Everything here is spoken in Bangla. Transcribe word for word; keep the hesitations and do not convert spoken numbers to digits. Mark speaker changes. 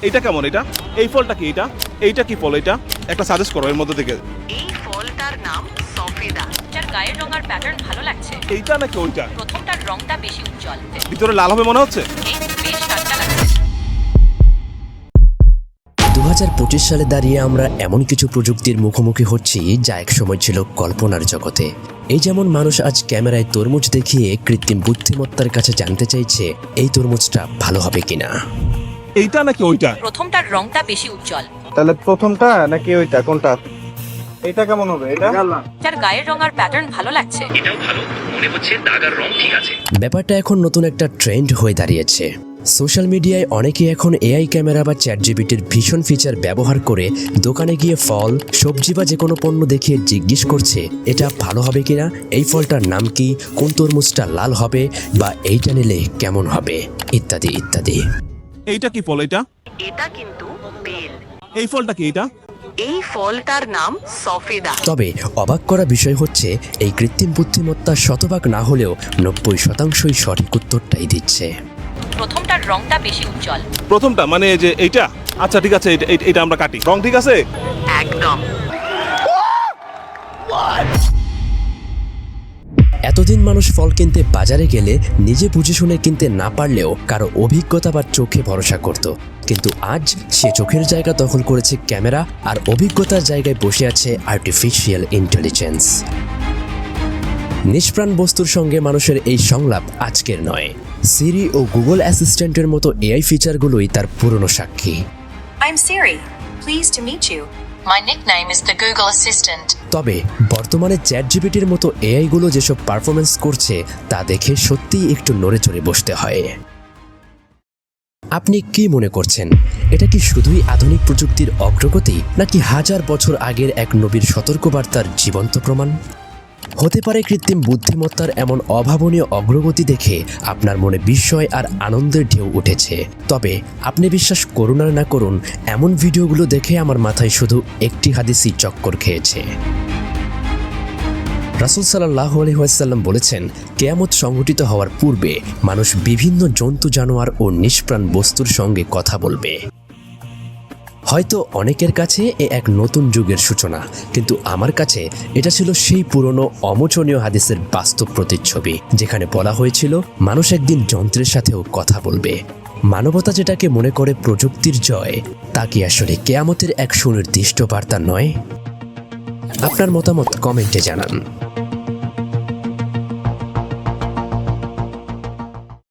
Speaker 1: এইটা কেমন? এটা এই ফলটা কি? এটা এইটা কি ফল? এটা একটা সাজেস্ট করো এর মধ্যে থেকে।
Speaker 2: এই ফলটার নাম সফেদা। যার গায়ের রং আর প্যাটার্ন ভালো লাগছে।
Speaker 1: এইটা নাকি ওইটা?
Speaker 2: প্রথমটার রংটা বেশি উজ্জ্বল।
Speaker 1: ভিতরে লাল হবে মনে হচ্ছে।
Speaker 2: এই বেশ টাটকা লাগছে।
Speaker 3: দু হাজার পঁচিশ সালে দাঁড়িয়ে আমরা এমন কিছু প্রযুক্তির মুখোমুখি হচ্ছি যা একসময় ছিল কল্পনার জগতে। এই যেমন মানুষ আজ ক্যামেরায় তরমুজ দেখিয়ে কৃত্রিম বুদ্ধিমত্তার কাছে জানতে চাইছে এই তরমুজটা ভালো হবে কিনা।
Speaker 1: এইটা নাকি ওইটা?
Speaker 2: প্রথমটার রংটা বেশি উজ্জ্বল।
Speaker 4: তাহলে প্রথমটা নাকি ওইটা, কোনটা? এটা কেমন হবে? এটা
Speaker 2: যার গায়ের রং আর প্যাটার্ন ভালো লাগছে।
Speaker 5: এটাও ভালো মনে হচ্ছে, দাগ আর রং ঠিক আছে।
Speaker 3: ব্যাপারটা এখন নতুন একটা ট্রেন্ড হয়ে দাঁড়িয়েছে। সোশ্যাল মিডিয়ায় অনেকে এখন এআই ক্যামেরা বা চ্যাট জিপিটির ভীষণ ফিচার ব্যবহার করে দোকানে গিয়ে ফল, সবজি বা যে কোনো পণ্য দেখিয়ে জিজ্ঞেস করছে এটা ভালো হবে কিনা, এই ফলটার নাম কি, কোন তরমুজটা লাল হবে, বা এইটা নিলে কেমন হবে, ইত্যাদি ইত্যাদি।
Speaker 1: এইটা কি ফল? এটা
Speaker 2: এটা কিন্তু বেল।
Speaker 1: এই ফলটা কি? এটা
Speaker 2: এই ফলটার নাম সফেদা।
Speaker 3: তবে অবাক করা বিষয় হচ্ছে এই কৃত্রিম বুদ্ধিমত্তা শতভাগ না হলেও নব্বই শতাংশই সঠিক উত্তরটাই দিচ্ছে।
Speaker 2: প্রথমটার রংটা বেশি উজ্জ্বল।
Speaker 1: প্রথমটা মানে যে এইটা? আচ্ছা ঠিক আছে, এটা এটা আমরা কাটি। রং ঠিক আছে।
Speaker 2: একদম।
Speaker 3: এতদিন মানুষ ফল কিনতে বাজারে গেলে নিজে বুঝে শুনে কিনতে না পারলেও কারো অভিজ্ঞতা বা চোখে ভরসা করত, কিন্তু আজ সে চোখের জায়গা দখল করেছে ক্যামেরা, আর অভিজ্ঞতার জায়গায় বসে আছে আর্টিফিশিয়াল ইন্টেলিজেন্স। নিষ্প্রাণ বস্তুর সঙ্গে মানুষের এই সংলাপ আজকের নয়। সিরি ও গুগল অ্যাসিস্ট্যান্টের মতো এআই ফিচারগুলোই তার পুরনো সাক্ষী।
Speaker 6: I'm Siri. Pleased to meet you. My nickname is the Google Assistant.
Speaker 3: তবে বর্তমানে চ্যাট জিপিটির মতো এআইগুলো যেসব পারফরমেন্স করছে তা দেখে সত্যিই একটু নড়ে চড়ে বসতে হয়। আপনি কি মনে করছেন, এটা কি শুধুই আধুনিক প্রযুক্তির অগ্রগতি, নাকি হাজার বছর আগের এক নবীর সতর্কবার্তার জীবন্ত প্রমাণ? হতে পারে কৃত্রিম বুদ্ধিমত্তার এমন অভাবনীয় অগ্রগতি দেখে আপনার মনে বিস্ময় আর আনন্দের ঢেউ উঠেছে। তবে আপনি বিশ্বাস করুন আর না করুন, এমন ভিডিওগুলো দেখে আমার মাথায় শুধু একটি হাদিসই চক্কর খেয়েছে। রাসূল সাল্লাল্লাহু আলাইহি ওয়াসাল্লাম বলেছেন, কিয়ামত সংঘটিত হওয়ার পূর্বে মানুষ বিভিন্ন জন্তু জানোয়ার ও নিষ্প্রাণ বস্তুর সঙ্গে কথা বলবে। হয়তো অনেকের কাছে এ এক নতুন যুগের সূচনা, কিন্তু আমার কাছে এটা ছিল সেই পুরনো অমোচনীয় হাদিসের বাস্তব প্রতিচ্ছবি, যেখানে বলা হয়েছিল মানুষ একদিন যন্ত্রের সাথেও কথা বলবে। মানবতা যেটাকে মনে করে প্রযুক্তির জয়, তা কি আসলে কিয়ামতের এক সুনির্দিষ্ট বার্তা নয়? আপনার মতামত কমেন্টে জানান।